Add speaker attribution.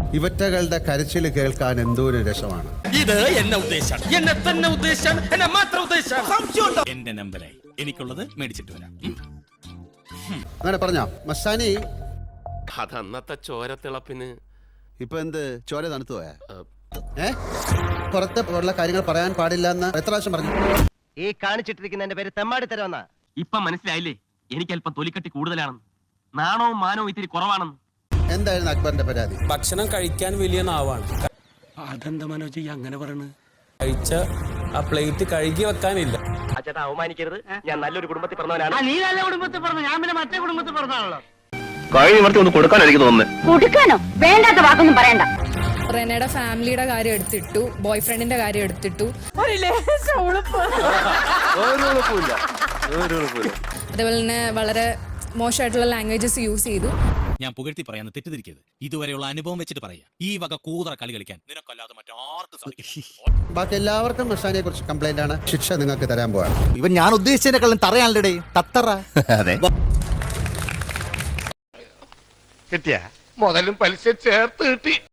Speaker 1: ഇവറ്റകളുടെ കരച്ചിൽ കേൾക്കാൻ എന്തോരു രസമാണ്.
Speaker 2: ഇത് എന്നെ ഉദ്ദേശം, എന്നെ തന്നെ ഉദ്ദേശം, എന്നെ മാത്രം ഉദ്ദേശം. എന്റെ നമ്പറായി എനിക്കുള്ളത് മേടിച്ചിട്ട് വരാം.
Speaker 1: അങ്ങനെ പറഞ്ഞോ മസ്താനി?
Speaker 3: അതന്നത്തെ ചോരത്തിളപ്പിന്
Speaker 1: ഇപ്പൊ എന്ത് ചോര തണുത്തു പോയാ? പുറത്ത് ഉള്ള കാര്യങ്ങൾ പറയാൻ പാടില്ല എന്ന് എത്ര പ്രാവശ്യം പറഞ്ഞു?
Speaker 4: ഈ കാണിച്ചിട്ടിരിക്കുന്നതിന്റെ പേര് തെമ്മാടി തരവെന്നാ.
Speaker 5: ഇപ്പൊ മനസ്സിലായില്ലേ എനിക്ക് അല്പം തൊലിക്കട്ടി കൂടുതലാണെന്ന്, നാണവും മാനവും ഇത്തിരി കുറവാണെന്ന്.
Speaker 1: എന്തായിരുന്നു അക്ബറിന്റെ പരാതി?
Speaker 6: ഭക്ഷണം കഴിക്കാൻ വലിയ നാവാണ്.
Speaker 2: അതെന്താ മനോജ് അങ്ങനെ പറയണത്?
Speaker 6: കഴിച്ച ആ പ്ലേറ്റ് കഴുകി വെക്കാനില്ല.
Speaker 4: ചേട്ടാ അവമാനിക്കരുത്, ഞാൻ നല്ലൊരു കുടുംബത്തിൽ പറഞ്ഞവനാണ്. നീ നല്ല കുടുംബത്തിൽ പറഞ്ഞു, ഞാൻ പിന്നെ മറ്റേ കുടുംബത്തിൽ പറഞ്ഞാണല്ലോ.
Speaker 3: കഴിഞ്ഞ വർഷം ഒന്ന് കൊടുക്കാനായിരിക്കും തോന്നുന്നത്.
Speaker 7: കൊടുക്കാനോ? വേണ്ടാത്ത വാക്കൊന്നും പറയണ്ട.
Speaker 8: റെനയുടെ ഫാമിലിയുടെ കാര്യം എടുത്തിട്ടു, ബോയ് ഫ്രണ്ടിന്റെ കാര്യം എടുത്തിട്ടു. അതേപോലെ തന്നെ വളരെ മോശമായിട്ടുള്ള ലാംഗ്വേജസ് യൂസ് ചെയ്തു.
Speaker 2: ഞാൻ പുകഴ്ത്തി പറയാന്ന് തെറ്റിദ്ധരിക്കരുത്. ഇതുവരെയുള്ള അനുഭവം വെച്ചിട്ട് പറയാ. ഈ വക കൂതറ കളി കളിക്കാൻ നിനക്കല്ലാതെ മറ്റാർക്കും സാധിക്കും.
Speaker 1: ബാക്കി എല്ലാവർക്കും മസ്താനിയെ കുറിച്ച് കംപ്ലൈന്റ് ആണ്. ശിക്ഷ നിങ്ങൾക്ക് തരാൻ പോവാണ്.
Speaker 9: ഇവൻ ഞാൻ ഉദ്ദേശിച്ചതിനെക്കാളും തറയാണല്ലേ തത്തറ. അതെ,
Speaker 3: കിട്ടിയ മുതലും പലിശ ചേർത്ത് കിട്ടി.